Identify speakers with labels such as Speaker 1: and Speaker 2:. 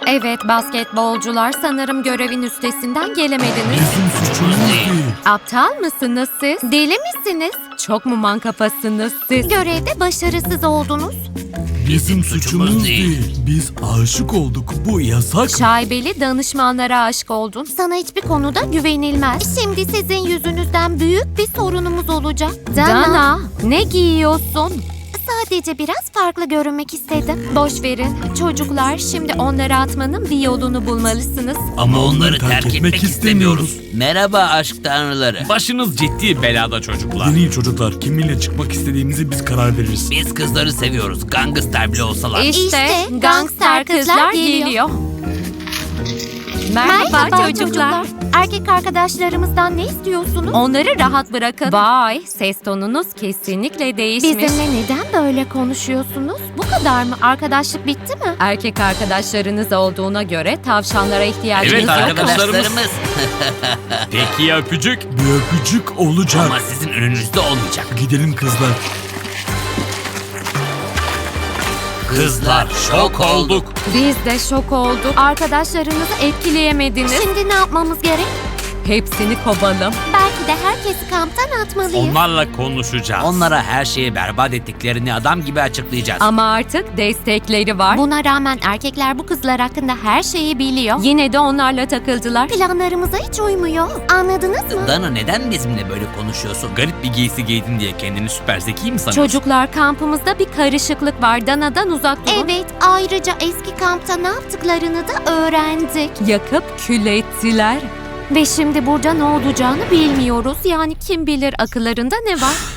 Speaker 1: Evet basketbolcular, sanırım görevin üstesinden gelemediniz.
Speaker 2: Bizim suçumuz değil.
Speaker 1: Aptal mısınız siz? Deli misiniz? Çok mu mankafasınız siz? Görevde başarısız oldunuz.
Speaker 2: Bizim suçumuz değil. Biz aşık olduk. Bu yasak.
Speaker 1: Şaibeli danışmanlara aşık oldun. Sana hiçbir konuda güvenilmez. Şimdi sizin yüzünüzden büyük bir sorunumuz olacak. Dana, ne giyiyorsun? Sadece biraz farklı görünmek istedim. Boş verin. Çocuklar, şimdi onları atmanın bir yolunu bulmalısınız.
Speaker 2: Ama onları terk etmek istemiyoruz.
Speaker 3: Merhaba aşk tanrıları.
Speaker 4: Başınız ciddi belada çocuklar.
Speaker 2: Deneyin çocuklar. Kiminle çıkmak istediğimizi biz karar veririz.
Speaker 3: Biz kızları seviyoruz. Gangster bile olsalar.
Speaker 1: İşte gangster kızlar geliyor. Merhaba, çocuklar. Erkek arkadaşlarımızdan ne istiyorsunuz? Onları rahat bırakın. Vay, ses tonunuz kesinlikle değişmiş. Bizimle neden böyle konuşuyorsunuz? Bu kadar mı? Arkadaşlık bitti mi? Erkek arkadaşlarınız olduğuna göre tavşanlara ihtiyacınız
Speaker 4: Evet,
Speaker 1: yok mu?
Speaker 4: arkadaşlarımız. Peki ya öpücük?
Speaker 2: Bir öpücük olacak.
Speaker 3: Ama sizin önünüzde olmayacak.
Speaker 2: Gidelim kızlar.
Speaker 4: Kızlar şok olduk.
Speaker 1: Biz de şok olduk. Arkadaşlarınızı etkileyemediniz. Şimdi ne yapmamız gerek? Hepsini kovalım. Belki de herkesi kamptan atmalıyız.
Speaker 4: Onlarla konuşacağız.
Speaker 3: Onlara her şeyi berbat ettiklerini adam gibi açıklayacağız.
Speaker 1: Ama artık destekleri var. Buna rağmen erkekler bu kızlar hakkında her şeyi biliyor. Yine de onlarla takıldılar. Planlarımıza hiç uymuyor. Anladınız mı?
Speaker 3: Dana, neden bizimle böyle konuşuyorsun?
Speaker 4: Garip bir giysi giydin diye kendini süper zeki mi sanıyorsun?
Speaker 1: Çocuklar, kampımızda bir karışıklık var. Dana'dan uzak durun. Evet, ayrıca eski kampta ne yaptıklarını da öğrendik. Yakıp kül ettiler. Ve şimdi burada ne olacağını bilmiyoruz. Yani kim bilir akıllarında ne var?